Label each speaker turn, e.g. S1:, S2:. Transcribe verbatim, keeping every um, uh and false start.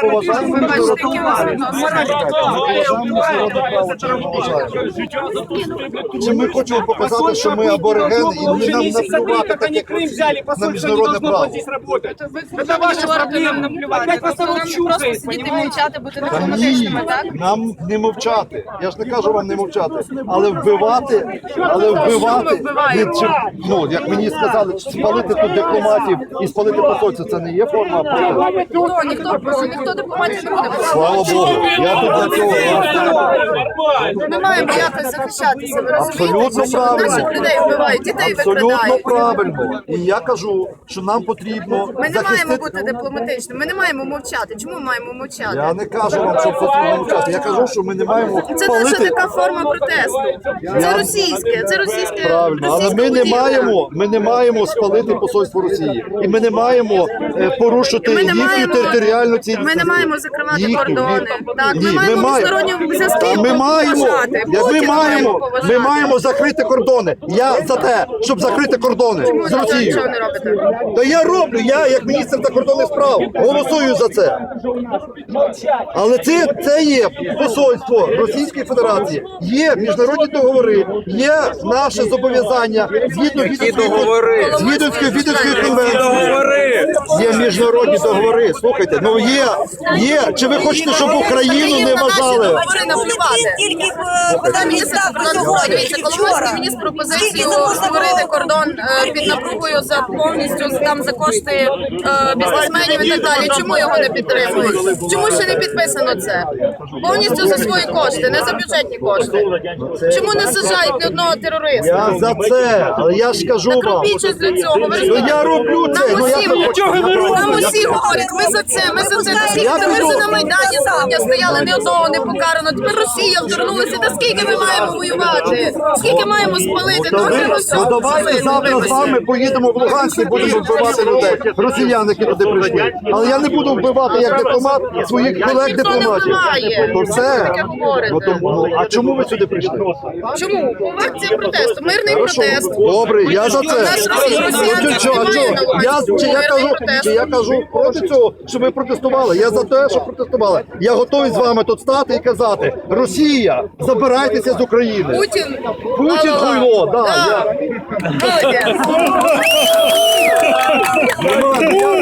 S1: поважаємо міжнародне право. Чи ми хочемо показати, що ми аборигени і не нам наплювати так, як на міжнародне право?
S2: Это ваша проблема. Опять вас народ чухает, понимаете?
S1: Та ні, нам не мовчати. Я ж не кажу вам не мовчати, але вбивати, але вбивати, не, чи, ну, як мені сказали, спалити тут дипломатів і спалити посольство, це не є форма протесту.
S2: Ніхто, ніхто, ніхто дипломатів не буде.
S1: Слава Богу, я тут для цього.
S2: Ми маємо якось захищатися, ви
S1: Абсолютно
S2: розумієте, що
S1: правильно.
S2: наших людей вбивають, дітей
S1: Абсолютно
S2: викрадають.
S1: правильно. І я кажу, що нам потрібно
S2: Ми не маємо
S1: захистити.
S2: бути дипломатичними, ми не маємо мовчати. Чому ми маємо мовчати?
S1: Я не кажу вам, що потрібно мовчати. Я кажу, що ми не маємо
S2: Це наша
S1: палити.
S2: така форма протесту. Це російське, це російське.
S1: Правильно, але
S2: російська
S1: ми не
S2: будівля.
S1: маємо, ми не маємо спалити посольство Росії. І ми не маємо е, порушити
S2: Ми не
S1: їхню
S2: маємо-
S1: територіальну цілісність.
S2: Ми не маємо закривати
S1: Їхню,
S2: кордони.
S1: їхню.
S2: Так,
S1: Ні,
S2: ми маємо
S1: маємо.
S2: міжнародні зв'язки
S1: Та Ми маємо,
S2: поважати.
S1: Я- ми
S2: Путіна
S1: маємо,
S2: поважати.
S1: ми маємо закрити кордони. Я за те, щоб закрити кордони
S2: Чому
S1: з
S2: ви
S1: Росією.
S2: нічого не робите?
S1: Та я роблю, я як міністр закордонних справ голосую за це. Але це, це є посольство Російської Федерації, є міжнародні договори, є наше зобов'язання згідно Віденської
S3: договори?
S1: згідно Віденської конвенції.
S3: Договори!
S1: Є міжнародні договори. Слухайте, ну є, є. Чи ви хочете, щоб Україну не вважали?
S2: Говори наплювати.
S4: Тільки
S2: Коли міністр Коломойський Коломойський вніс пропозицію створити кордон е, під напругою за повністю там за кошти е, бізнесменів і так далі. Чому його не підтримують? Чому ще не підписано це? Повністю за свої кошти, не за бюджетні кошти. Чому не саджають ні одного терориста?
S1: Я за це, але я ж кажу
S2: Так
S1: вам.
S2: робіть щось для цього. Ви
S1: Ну
S2: розумієте?
S1: я роблю це,
S2: Нам
S1: ну я
S2: усі,
S1: не хочу.
S2: нам усі говорять, ми за це, ми за це. Та скільки та ми вже на Майдані сьогодні стояли, ні одного не покарано. Тепер Росія вторгнулася. Та скільки ми маємо воювати? Скільки маємо спалити?
S1: То
S2: Ну,
S1: ви-
S2: треба
S1: Ну
S2: все
S1: давайте
S2: спалити,
S1: завтра з
S2: вибачте.
S1: вами поїдемо в Луганськ і будемо вбивати людей. Росіян, які туди прийшли. Але я не буду вбивати як дипломат своїх колег
S2: Ніхто не
S1: дипломатів.
S2: вбиває.
S1: То все.
S2: Таке говорите.
S1: Ну, то, ну, а чому ви сюди прийшли?
S2: Чому? Акція протесту, мирний
S1: Хорошо.
S2: протест.
S1: Добре, я за
S2: Наш
S1: це.
S2: Росія- росіян
S1: Ну, чого,
S2: немає
S1: чого?
S2: на увазі.
S1: Я, чи, я
S2: Мирний
S1: кажу,
S2: протест.
S1: чи я кажу проти цього, щоб ви протестували. Я за те, щоб протестували. Я готовий з вами тут стати і казати: Росія, забирайтеся з України.
S2: Путін.
S1: Путін
S2: Ла-ла-ла.
S1: хуйло, да,
S2: Да.
S1: я.
S2: Молодець.
S1: Я